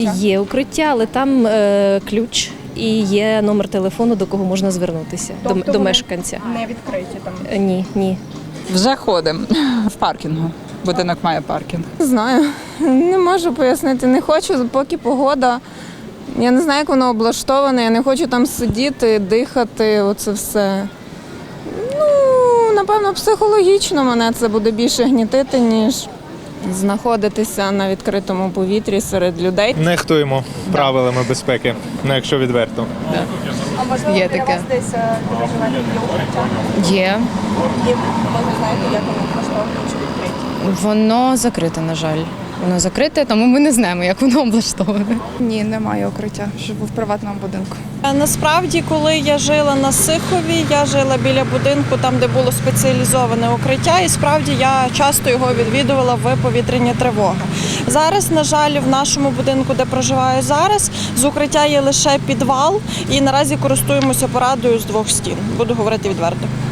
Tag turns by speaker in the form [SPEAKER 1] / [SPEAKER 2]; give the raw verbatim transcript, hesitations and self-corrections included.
[SPEAKER 1] Є укриття, але там е, ключ і є номер телефону, до кого можна звернутися,
[SPEAKER 2] Тобто
[SPEAKER 1] до, до
[SPEAKER 2] вони
[SPEAKER 1] мешканця.
[SPEAKER 2] Не відкриті там.
[SPEAKER 1] Е, Ні, ні.
[SPEAKER 3] Вже ходимо в паркінгу. Будинок має паркінг.
[SPEAKER 4] Не знаю, не можу пояснити. Не хочу, поки погода. Я не знаю, як воно облаштоване, я не хочу там сидіти, дихати, оце все. Ну, напевно, психологічно мене це буде більше гнітити, ніж знаходитися на відкритому повітрі серед людей.
[SPEAKER 5] Нехтуємо правилами безпеки, ну якщо відверто.
[SPEAKER 2] А можливо,
[SPEAKER 6] Є
[SPEAKER 2] для
[SPEAKER 6] таке.
[SPEAKER 2] вас десь е, де проживання є укриття?
[SPEAKER 6] Є.
[SPEAKER 2] І ви не знаєте, як воно влаштоване чи відкриті?
[SPEAKER 6] Воно закрите, на жаль. Воно закрите, тому ми не знаємо, як воно облаштоване.
[SPEAKER 2] Ні, немає укриття. Живу в приватному будинку.
[SPEAKER 7] Насправді, коли я жила на Сихові, я жила біля будинку, там, де було спеціалізоване укриття, і справді я часто його відвідувала в повітряні тривоги. Зараз, на жаль, в нашому будинку, де проживаю зараз, з укриття є лише підвал, і наразі користуємося порадою з двох стін. Буду говорити відверто.